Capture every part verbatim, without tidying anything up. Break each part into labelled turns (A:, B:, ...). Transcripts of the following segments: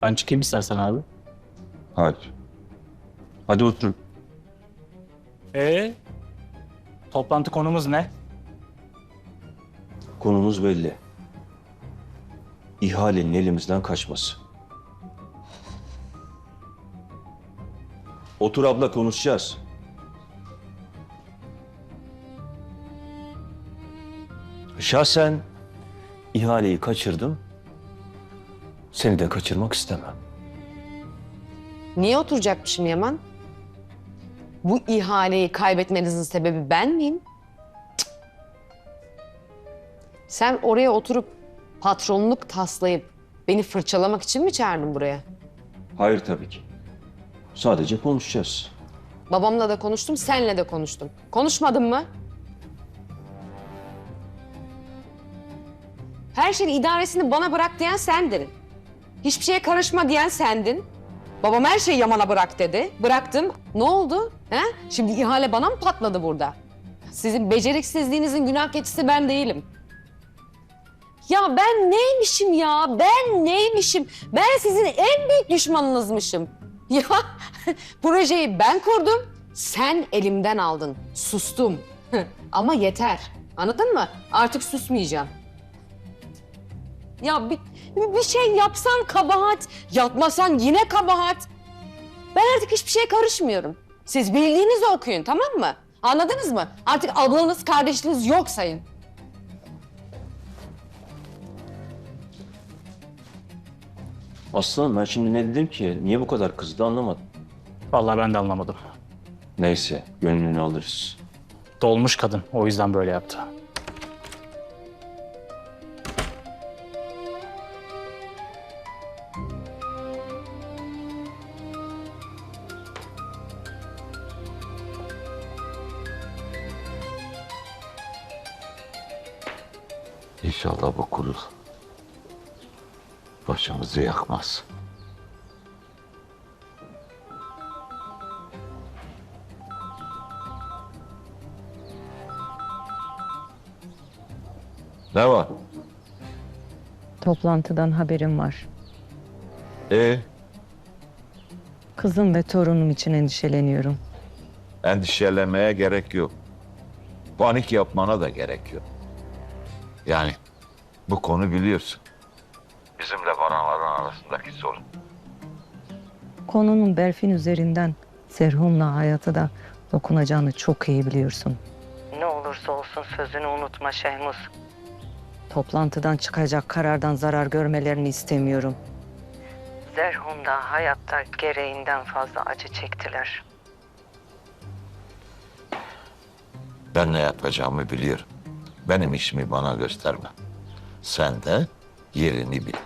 A: Ben çıkayım istersen abi.
B: Hayır. Hadi oturun.
A: Ee, toplantı konumuz ne?
B: Konumuz belli. İhalenin elimizden kaçması. Otur abla, konuşacağız. Şahsen ihaleyi kaçırdım. Seni de kaçırmak istemem.
C: Niye oturacakmışım Yaman? Bu ihaleyi kaybetmenizin sebebi ben miyim? Cık. Sen oraya oturup patronluk taslayıp beni fırçalamak için mi çağırdın buraya?
B: Hayır tabii ki. Sadece konuşacağız.
C: Babamla da konuştum, senle de konuştum. Konuşmadın mı? Her şeyin idaresini bana bırak diyen sendin. Hiçbir şeye karışma diyen sendin. Babam her şeyi Yaman'a bırak dedi. Bıraktım. Ne oldu? He? Şimdi ihale bana mı patladı burada? Sizin beceriksizliğinizin günah keçisi ben değilim. Ya ben neymişim ya? Ben neymişim? Ben sizin en büyük düşmanınızmışım. Ya projeyi ben kurdum, sen elimden aldın. Sustum. Ama yeter. Anladın mı? Artık susmayacağım. Ya bir, bir şey yapsan kabahat, yapmasan yine kabahat. Ben artık hiçbir şeye karışmıyorum. Siz bildiğinizi okuyun, tamam mı? Anladınız mı? Artık ablanız, kardeşiniz yok sayın.
B: Aslanım, ben şimdi ne dedim ki? Niye bu kadar kızdı anlamadım.
A: Vallahi ben de anlamadım.
B: Neyse, gönlünü alırız.
A: Dolmuş kadın, o yüzden böyle yaptı.
D: İnşallah bu kurul başımızı yakmaz. Ne var?
E: Toplantıdan haberim var.
D: E,
E: Kızım ve torunum için endişeleniyorum.
D: endişelenmeye gerek yok. Panik yapmana da gerek yok. Yani bu konu biliyorsun. Bizimle Baranların arasındaki sorun.
E: Konunun Berfin üzerinden Serhun'la hayata da dokunacağını çok iyi biliyorsun. Ne olursa olsun sözünü unutma Şehmuz. Toplantıdan çıkacak karardan zarar görmelerini istemiyorum. Serhun da hayatta gereğinden fazla acı çektiler.
D: Ben ne yapacağımı biliyorum. Benim işimi bana gösterme. Sen de yerini bil.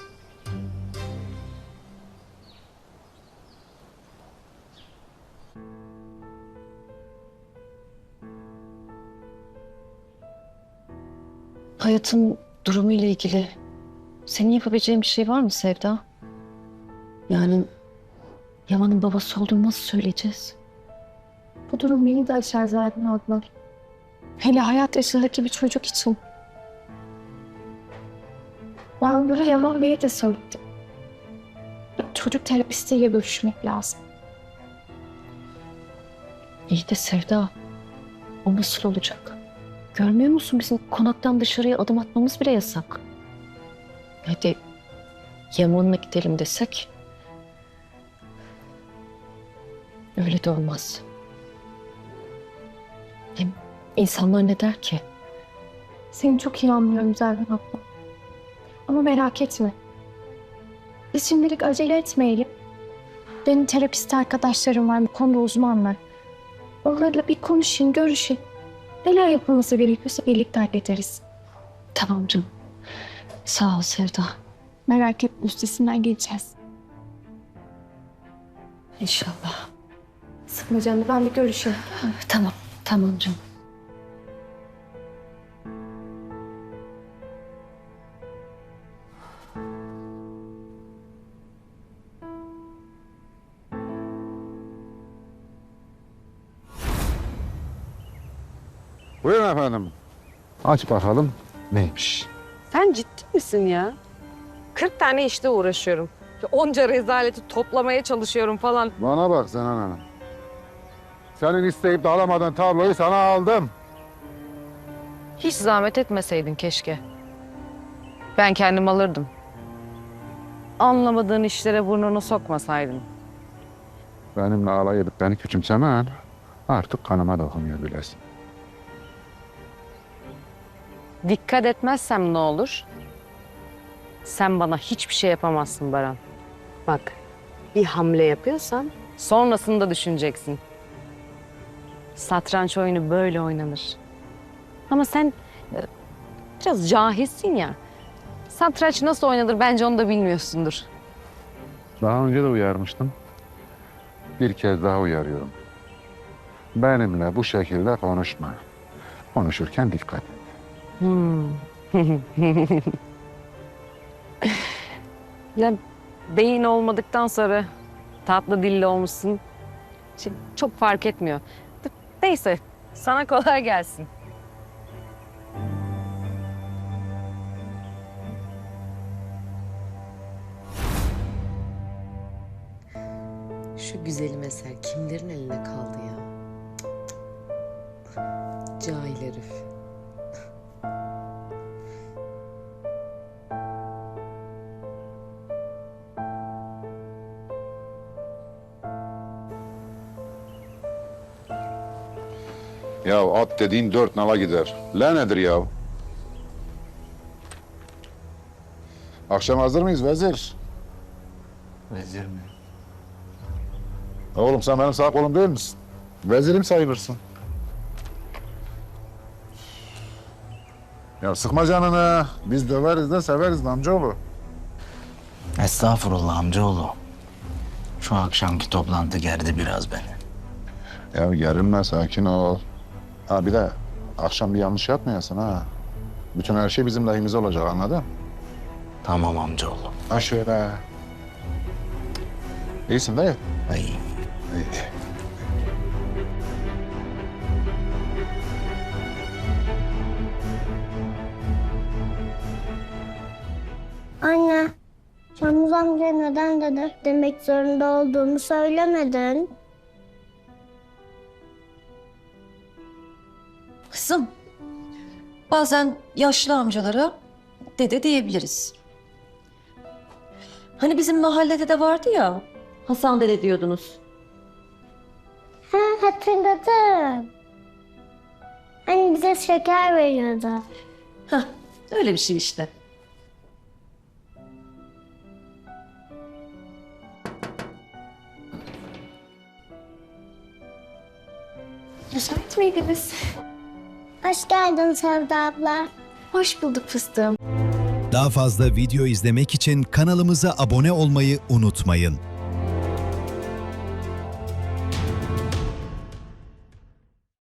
F: Hayatın durumu ile ilgili senin yapabileceğin bir şey var mı Sevda? Yani Yaman'ın babası olduğunu nasıl söyleyeceğiz?
G: Bu durum beni de aşar zaten abla. Hele hayat yaşındaki bir çocuk için. Ben böyle Yaman Bey'e de söyledim. Çocuk terapistiyle görüşmek lazım.
F: İyi de Sevda, o nasıl olacak? Görmüyor musun bizim konaktan dışarıya adım atmamız bile yasak. Hadi Yaman'la gidelim desek öyle de olmaz. Hem insanlar ne der ki?
G: Seni çok iyi anlıyorum Zerrin abla. Ama merak etme. Biz şimdilik acele etmeyelim. Benim terapist arkadaşlarım var, bu konuda uzmanlar. Onlarla bir konuşun, görüşün. Neler yapılması gerekiyorsa birlikte hallederiz.
F: Tamam canım. Sağ ol Sevda.
G: Merak etme, üstesinden geleceğiz.
F: İnşallah.
G: Sıkma canını, ben bir görüşeyim.
F: Tamam, tamam canım.
H: Buyurun efendim. Aç bakalım neymiş.
C: Sen ciddi misin ya? kırk tane işte uğraşıyorum. onca rezaleti toplamaya çalışıyorum falan.
H: Bana bak Zenan Hanım. Senin isteyip de alamadığın tabloyu sana aldım.
C: Hiç zahmet etmeseydin keşke. Ben kendim alırdım. Anlamadığın işlere burnunu sokmasaydın.
H: Benimle alay edip beni küçümsemen artık kanıma dokunuyor bilesin.
C: Dikkat etmezsem ne olur? Sen bana hiçbir şey yapamazsın Baran. Bak, bir hamle yapıyorsan sonrasını da düşüneceksin. Satranç oyunu böyle oynanır. Ama sen e, biraz cahilsin ya. Satranç nasıl oynanır bence onu da bilmiyorsundur.
H: Daha önce de uyarmıştım. Bir kez daha uyarıyorum. Benimle bu şekilde konuşma. Konuşurken dikkat et.
C: Hmm. Ya beyin olmadıktan sonra tatlı dilli olmuşsun. Şimdi çok fark etmiyor. Neyse, sana kolay gelsin.
I: Şu güzelim eser kimlerin eline kaldı ya? Cık cık. Cahil herif.
H: Ya at dediğin dört nala gider. Le nedir ya? Akşam hazır mıyız vezir?
A: Vezir mi?
H: Oğlum sen benim sağ kolum değil misin? Vezirim sayılırsın. Ya sıkma canını. Biz döveriz de severiz de amcaoğlu.
A: Estağfurullah amcaoğlu. Şu akşamki toplantı gerdi biraz beni.
H: Ya gerilme, sakin ol. Ha bir de akşam bir yanlış yapmayasın ha. Bütün her şey bizim lehimize olacak, anladın?
A: Tamam amcaoğlu.
H: Ha şöyle. İyisin değil mi?
A: Ay.
H: İyi.
J: Anne, Şamuz amca neden dede demek zorunda olduğunu söylemedin.
K: Kızım, bazen yaşlı amcalara dede diyebiliriz. Hani bizim mahallede de vardı ya, Hasan dede diyordunuz.
J: Ha, hatırladım. Hani bize şeker veriyordu.
K: Hah, öyle bir şey işte.
G: Müsait miydiniz?
J: Hoş geldin Sevda abla.
G: Hoş bulduk fıstığım.
L: Daha fazla video izlemek için kanalımıza abone olmayı unutmayın.